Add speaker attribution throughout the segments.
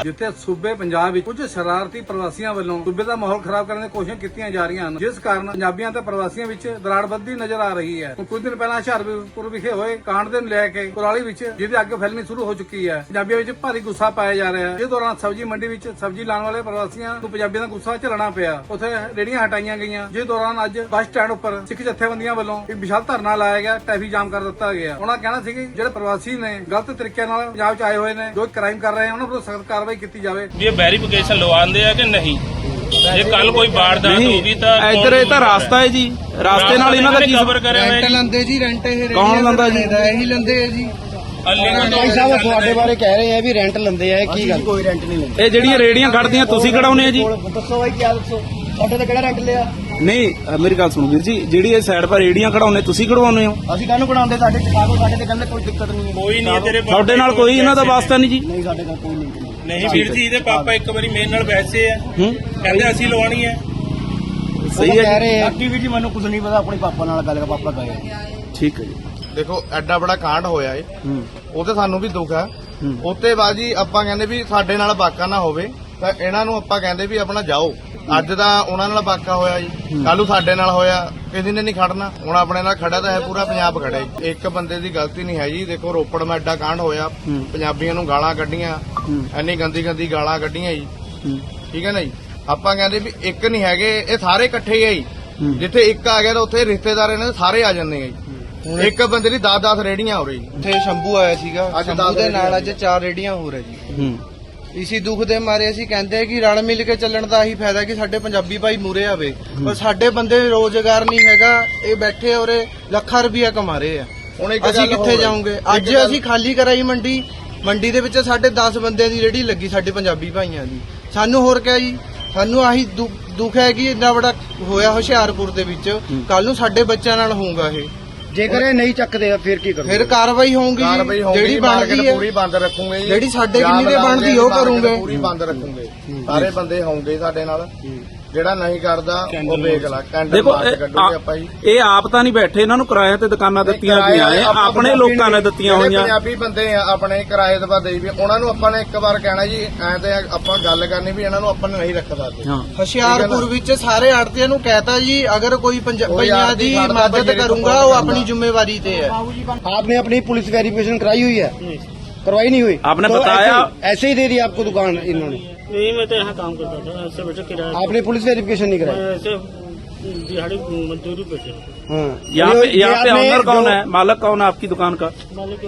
Speaker 1: ਜਿੱਥੇ ਸੂਬੇ ਪੰਜਾਬ ਵਿੱਚ ਕੁਝ ਸ਼ਰਾਰਤੀ ਪ੍ਰਵਾਸੀਆਂ ਵੱਲੋਂ ਸੂਬੇ ਦਾ ਮਾਹੌਲ ਖਰਾਬ ਕਰਨ ਦੀ ਕੋਸ਼ਿਸ਼ਾਂ ਕੀਤੀਆਂ ਜਾ ਰਹੀਆਂ ਹਨ, ਜਿਸ ਕਾਰਨ ਪੰਜਾਬੀਆਂ ਤੇ ਪ੍ਰਵਾਸੀਆਂ ਵਿੱਚ ਦਰਾੜ ਵੱਧਦੀ ਨਜ਼ਰ ਆ ਰਹੀ ਹੈ। ਕੁਝ ਦਿਨ ਪਹਿਲਾਂ ਹੁਸ਼ਿਆਰਪੁਰ ਵਿਖੇ ਹੋਏ ਕਾਂਡ ਦੇ ਨੂੰ ਲੈ ਕੇ ਕੁਰਾਲੀ ਵਿੱਚ ਜਿਹਦੀ ਅੱਗ ਫੈਲਣੀ ਸ਼ੁਰੂ ਹੋ ਚੁੱਕੀ ਹੈ, ਪੰਜਾਬੀਆਂ ਵਿੱਚ ਭਾਰੀ ਗੁੱਸਾ ਪਾਇਆ ਜਾ ਰਿਹਾ ਹੈ। ਇਸ ਦੌਰਾਨ ਸਬਜ਼ੀ ਮੰਡੀ ਵਿੱਚ ਸਬਜ਼ੀ ਲਾਉਣ ਵਾਲੇ ਪ੍ਰਵਾਸੀਆਂ ਨੂੰ ਪੰਜਾਬੀਆਂ ਦਾ ਗੁੱਸਾ ਝੱਲਣਾ ਪਿਆ। ਉੱਥੇ ਰੇਹੜੀਆਂ ਹਟਾਈਆਂ ਗਈਆਂ, ਜਿਸ ਦੌਰਾਨ ਅੱਜ ਬੱਸ ਸਟੈਂਡ ਉੱਪਰ ਸਿੱਖ ਜਥੇਬੰਦੀਆਂ ਵੱਲੋਂ ਇੱਕ ਵਿਸ਼ਾਲ ਧਰਨਾ ਲਾਇਆ ਗਿਆ, ਟ੍ਰੈਫਿਕ ਜਾਮ ਕਰ ਦਿੱਤਾ ਗਿਆ। ਉਹਨਾਂ ਕਹਿਣਾ ਸੀ ਕਿ ਜਿਹੜੇ ਪ੍ਰਵਾਸੀ ਨੇ ਗਲਤ ਤਰੀਕੇ ਨਾਲ ਪੰਜਾਬ 'ਚ ਆਏ ਹੋਏ ਨੇ, ਜੋ ਕ੍ਰਾਈਮ ਕਰ ਰਹੇ ਹਨ, ਉਹਨਾਂ ਵਿਰੁੱਧ ਸਖਤ ਕਾਰਵਾਈ ਕੀਤੀ ਜਾਵੇ।
Speaker 2: ये वेरिफिकेशन लवाते हैं कि नहीं, ਜੇ ਕੱਲ ਕੋਈ ਵਾਰਦਾਤ ਹੋਗੀ ਤਾਂ
Speaker 3: ਇੱਧਰ ਇਹ ਤਾਂ ਰਾਸਤਾ ਹੈ ਜੀ, ਰਾਸਤੇ ਨਾਲ ਇਹਨਾਂ ਦਾ ਕੀ
Speaker 2: ਖਬਰ ਕਰੇ ਹੋਏ
Speaker 4: ਰੈਂਟ ਲੈਂਦੇ ਜੀ, ਰੈਂਟ ਇਹ
Speaker 3: ਕੌਣ ਲੈਂਦਾ ਜੀ?
Speaker 4: ਇਹੀ ਲੈਂਦੇ ਆ ਜੀ।
Speaker 5: ਭਾਈ ਸਾਹਿਬ ਤੁਹਾਡੇ ਬਾਰੇ ਕਹਿ ਰਹੇ ਆ ਵੀ ਰੈਂਟ ਲੈਂਦੇ ਆ, ਕੀ ਗੱਲ? ਕੋਈ ਰੈਂਟ ਨਹੀਂ ਲੈਂਦੇ।
Speaker 3: ਇਹ ਜਿਹੜੀਆਂ ਰੇੜੀਆਂ ਖੜਦੀਆਂ ਤੁਸੀਂ ਖੜਾਉਨੇ ਆ ਜੀ?
Speaker 5: ਦੱਸੋ ਭਾਈ ਕੀ ਦੱਸੋ, ਤੁਹਾਡੇ ਤੇ ਕਿਹੜਾ ਰੈਂਟ ਲਿਆ?
Speaker 3: ਨਹੀਂ ਮੇਰੀ ਗੱਲ ਸੁਣੋ ਵੀਰ ਜੀ, ਜਿਹੜੀ ਇਹ ਸਾਈਡ 'ਪਰ ਰੇੜੀਆਂ ਖੜਾਉਨੇ ਤੁਸੀਂ ਖੜਵਾਉਨੇ ਹੋ?
Speaker 5: ਅਸੀਂ ਕਾਹਨੂੰ ਬਣਾਉਂਦੇ, ਸਾਡੇ ਚਕਾਗੋ, ਸਾਡੇ ਤੇ ਕਹਿੰਦੇ ਕੋਈ ਦਿੱਕਤ ਨਹੀਂ ਹੈ।
Speaker 2: ਕੋਈ ਨਹੀਂ ਤੇਰੇ
Speaker 3: ਤੁਹਾਡੇ ਨਾਲ ਕੋਈ ਇਹਨਾਂ ਦਾ ਵਾਸਤਾ ਨਹੀਂ ਜੀ?
Speaker 5: ਨਹੀਂ ਸਾਡੇ ਨਾਲ ਕੋਈ ਲਿੰਕ ਨਹੀਂ।
Speaker 2: ਨਹੀਂ ਵੀਰ ਜੀ, ਇਹਦੇ ਪਾਪਾ ਇੱਕ ਵਾਰੀ ਮੇਰੇ ਨਾਲ ਬੈਠੇ ਆ, ਕਹਿੰਦੇ ਅਸੀਂ ਲਵਾਉਣੀ ਹੈ।
Speaker 3: ਸਹੀ ਹੈ
Speaker 5: ਕਹਿ ਰਹੇ ਆ ਬਾਕੀ ਵੀ ਜੀ ਮੈਨੂੰ ਕੁਝ ਨਹੀਂ ਪਤਾ, ਆਪਣੇ ਪਾਪਾ ਨਾਲ ਗੱਲ ਕਰ, ਪਾਪਾ ਕਹੇ।
Speaker 3: ਠੀਕ ਹੈ ਜੀ।
Speaker 6: ਦੇਖੋ ਐਡਾ ਬੜਾ ਕਾਂਡ ਹੋਇਆ ਏ, ਉਹ ਤੇ ਸਾਨੂੰ ਵੀ ਦੁੱਖ ਹੈ। ਉੱਤੇ ਬਾਅਦ ਜੀ ਆਪਾਂ ਕਹਿੰਦੇ ਵੀ ਸਾਡੇ ਨਾਲ ਵਾਕਾ ਨਾ ਹੋਵੇ, ਤਾਂ ਇਹਨਾਂ ਨੂੰ ਆਪਾਂ ਕਹਿੰਦੇ ਵੀ ਆਪਣਾ ਜਾਓ। ਅੱਜ ਤਾਂ ਉਹਨਾਂ ਨਾਲ ਵਾਕਾ ਹੋਇਆ ਜੀ, ਕੱਲ ਨੂੰ ਸਾਡੇ ਨਾਲ ਹੋਇਆ, ਕਿਸੇ ਨੇ ਨਹੀਂ ਖੜਨਾ। ਹੁਣ ਆਪਣੇ ਨਾਲ ਖੜਾ ਤਾਂ ਹੈ ਪੂਰਾ ਪੰਜਾਬ ਖੜਾ ਜੀ, ਇੱਕ ਬੰਦੇ ਦੀ ਗਲਤੀ ਨਹੀਂ ਹੈ ਜੀ। ਦੇਖੋ ਰੋਪੜ ਮੈਂ ਐਡਾ ਕਾਂਡ ਹੋਇਆ, ਪੰਜਾਬੀਆਂ ਨੂੰ ਗਾਲਾਂ ਕੱਢੀਆਂ, ਇੰਨੀ ਗੰਦੀ ਗੰਦੀ ਗਾਲਾਂ ਕੱਢੀਆਂ ਜੀ, ਠੀਕ ਹੈ ਨਾ ਜੀ। ਆਪਾਂ ਕਹਿੰਦੇ ਵੀ ਇੱਕ ਨਹੀਂ ਹੈਗੇ, ਇਹ ਸਾਰੇ ਇਕੱਠੇ ਹੀ ਆ ਜੀ। ਜਿੱਥੇ ਇੱਕ ਆ ਗਿਆ ਤਾਂ ਉੱਥੇ ਰਿਸ਼ਤੇਦਾਰ ਇਹਨਾਂ ਦੇ ਸਾਰੇ ਆ ਜਾਂਦੇ ਆ ਜੀ। ਇੱਕ ਬੰਦੇ ਦੀ 10-10 ਰੇੜੀਆਂ ਹੋ ਰਹੀ ਜੀ।
Speaker 4: ਉੱਥੇ ਸ਼ੰਭੂ ਆਇਆ ਸੀਗਾ,
Speaker 6: ਅੱਜ
Speaker 4: ਸ਼ੰਭੂ ਦੇ ਨਾਲ ਅੱਜ
Speaker 6: ਰੇਹੜੀਆਂ
Speaker 4: 4 ਰੇੜੀਆਂ ਹੋ ਰਹੇ ਜੀ। ਇਸੀ ਦੁੱਖ ਦੇ ਮਾਰੇ ਅਸੀਂ ਕਹਿੰਦੇ ਆ ਕਿ ਰਲ ਮਿਲ ਕੇ ਚੱਲਣ ਦਾ ਹੀ ਫਾਇਦਾ ਕਿ ਸਾਡੇ ਪੰਜਾਬੀ ਭਾਈ ਮੂਰੇ ਆਵੇ, ਪਰ ਸਾਡੇ ਬੰਦੇ ਰੋਜ਼ਗਾਰ ਨਹੀਂ ਹੈਗਾ, ਇਹ ਬੈਠੇ ਔਰੇ ਲੱਖਾਂ ਰੁਪਇਆ ਕਮਾ ਰਹੇ ਆ।
Speaker 6: ਹੁਣ ਇੱਕ
Speaker 4: ਅਸੀਂ
Speaker 6: ਗੱਲ
Speaker 4: ਕਿੱਥੇ
Speaker 6: ਹੋਰ ਹੈ।
Speaker 4: ਜਾਵਾਂਗੇ? ਅੱਜ
Speaker 6: ਇੱਕ ਗੱਲ-
Speaker 4: ਅਸੀਂ ਖਾਲੀ ਕਰਾਈ ਮੰਡੀ ਦੇ ਵਿੱਚ ਸਾਡੇ 10 ਬੰਦਿਆਂ ਦੀ ਰੇੜੀ ਲੱਗੀ, ਸਾਡੇ ਪੰਜਾਬੀ ਭਾਈਆਂ ਦੀ। ਸਾਨੂੰ ਹੋਰ ਕਿਆ ਜੀ, ਸਾਨੂੰ ਆਹੀ ਦੁੱਖ ਹੈ ਕਿ ਇੰਨਾ ਬੜਾ ਹੋਇਆ ਹੁਸ਼ਿਆਰਪੁਰ ਦੇ ਵਿੱਚ, ਕੱਲ ਨੂੰ ਸਾਡੇ ਬੱਚਿਆਂ ਨਾਲ ਹੋਊਗਾ ਇਹ।
Speaker 5: ਜੇਕਰ ਇਹ ਨਹੀਂ ਚੱਕਦੇ ਫਿਰ ਕੀ ਕਰੋਗੇ?
Speaker 4: ਫਿਰ ਕਾਰਵਾਈ ਹੋਊਗੀ, ਜਿਹੜੀ ਬਣਦੀ ਹੈ
Speaker 6: ਪੂਰੀ ਬੰਦ ਰੱਖੂਗੇ ਜੀ।
Speaker 4: ਜਿਹੜੀ ਸਾਡੇ ਕਿੰਨੀ ਦੇ ਬਣਦੀ ਉਹ ਕਰੂਗੇ,
Speaker 6: ਪੂਰੀ ਬੰਦ ਰੱਖੂਗੇ। ਸਾਰੇ ਬੰਦੇ ਹੋਣਗੇ ਸਾਡੇ ਨਾਲ, ਜਿਹੜਾ ਨਹੀਂ ਕਰਦਾ ਉਹ ਵੇਖ ਲਾ। ਕੈਂਡਲ
Speaker 3: ਦੇਖੋ
Speaker 6: ਮਾਰ ਕੇ ਕੱਢੂਗੇ ਆਪਾਂ ਜੀ।
Speaker 3: ਇਹ ਆਪ ਤਾਂ ਨਹੀਂ ਬੈਠੇ, ਇਹਨਾਂ ਨੂੰ ਕਿਰਾਏ ਤੇ ਦੁਕਾਨਾਂ ਦਿੱਤੀਆਂ ਗਈਆਂ ਨੇ, ਆਪਣੇ ਲੋਕਾਂ ਨੇ ਦਿੱਤੀਆਂ
Speaker 6: ਜਿਹੜੇ
Speaker 3: ਹੋਈਆਂ।
Speaker 6: ਪੰਜਾਬੀ ਬੰਦੇ ਆ ਆਪਣੇ ਕਿਰਾਏ ਤੇ ਬਾਦੇ ਵੀ, ਉਹਨਾਂ ਨੂੰ ਆਪਾਂ ਨੇ ਇੱਕ ਵਾਰ ਕਹਿਣਾ ਜੀ, ਐ ਤੇ ਆਪਾਂ ਗੱਲ ਕਰਨੀ ਵੀ ਇਹਨਾਂ ਨੂੰ ਆਪਾਂ ਨਹੀਂ ਰੱਖ ਸਕਦੇ।
Speaker 4: ਹੁਸ਼ਿਆਰਪੁਰ ਵਿੱਚ ਸਾਰੇ ਆੜਤੀਆਂ ਨੂੰ ਕਹਿਤਾ ਜੀ, ਅਗਰ ਕੋਈ ਪੰਜਾਬੀਆਂ ਦੀ ਮਦਦ ਕਰੂੰਗਾ ਉਹ ਆਪਣੀ ਜ਼ਿੰਮੇਵਾਰੀ ਤੇ है।
Speaker 5: आपने अपनी पुलिस वेरिफिकेशन कराई हुई है? करवाई नहीं हुई?
Speaker 3: आपने
Speaker 5: तो
Speaker 3: बताया?
Speaker 5: ऐसे ही दे दी आपको दुकान इन्होंने?
Speaker 7: नहीं, मैं तो यहाँ काम करता था, ऐसे बेटा किराया
Speaker 5: आपने पुलिस वेरिफिकेशन नहीं कराई?
Speaker 7: मैं ऐसे दिहाड़ी मजदूरी पे थे।
Speaker 5: हाँ।
Speaker 3: यहाँ पे
Speaker 5: आपने
Speaker 3: ऑनर कौन
Speaker 5: जो-
Speaker 3: है, मालक कौन है आपकी दुकान का?
Speaker 7: मालिक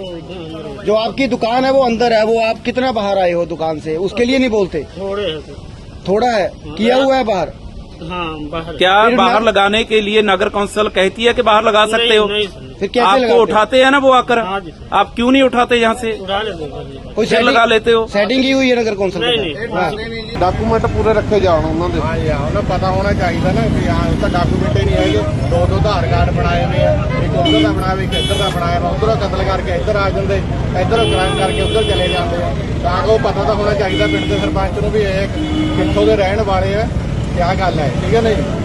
Speaker 5: जो आपकी दुकान है वो अंदर है, वो आप कितना बाहर आए हो दुकान से, उसके लिए नहीं बोलते?
Speaker 7: थोड़े है तो।
Speaker 5: थोड़ा है किया हुआ है बाहर?
Speaker 7: हाँ बाहर।
Speaker 3: क्या
Speaker 5: फिर
Speaker 3: बाहर
Speaker 5: मैं-
Speaker 3: लगाने के लिए नगर कौंसिल कहती है कि बाहर लगा सकते हो?
Speaker 7: नहीं सर,
Speaker 5: फिर कैसे
Speaker 3: आपको
Speaker 5: लगाते हो?
Speaker 3: उठाते हैं ना वो आकर,
Speaker 7: हाँ जी।
Speaker 3: आप क्यों नहीं उठाते यहाँ से?
Speaker 7: उड़ा लेते हैं।
Speaker 5: कोई
Speaker 3: फिर लगा लेते हो?
Speaker 5: सेटिंग की हुई है नगर कौंसिल के
Speaker 7: नहीं,
Speaker 5: साथ?
Speaker 7: नहीं।
Speaker 5: हाँ।
Speaker 6: ਡਾਕੂਮੈਂਟ ਪੂਰੇ ਰੱਖੇ ਜਾਣ ਉਹਨਾਂ ਦੇ। ਹਾਂ ਜੀ, ਉਹਨਾਂ ਪਤਾ ਹੋਣਾ ਚਾਹੀਦਾ ਨਾ ਕਿ ਹਾਂ ਇਹ ਤਾਂ ਡਾਕੂਮੈਂਟ ਹੀ ਨਹੀਂ ਹੈਗੇ। ਦੋ ਆਧਾਰ ਕਾਰਡ ਬਣਾਏ ਹੋਏ ਆ, ਇੱਕ ਉੱਧਰ ਦਾ ਬਣਾਇਆ, ਇੱਕ ਇੱਧਰ ਦਾ ਬਣਾਇਆ ਵਾ। ਉੱਧਰੋਂ ਕਤਲ ਕਰਕੇ ਇੱਧਰ ਆ ਜਾਂਦੇ, ਇੱਧਰੋਂ ਕ੍ਰਾਈਮ ਕਰਕੇ ਉੱਧਰ ਚਲੇ ਜਾਂਦੇ ਆ। ਤਾਂ ਉਹ ਪਤਾ ਤਾਂ ਹੋਣਾ ਚਾਹੀਦਾ ਪਿੰਡ ਦੇ ਸਰਪੰਚ ਨੂੰ ਵੀ ਇਹ ਕਿੱਥੋਂ ਦੇ ਰਹਿਣ ਵਾਲੇ ਆ, ਕਿਆ ਗੱਲ ਹੈ, ਠੀਕ ਹੈ ਨਾ ਜੀ।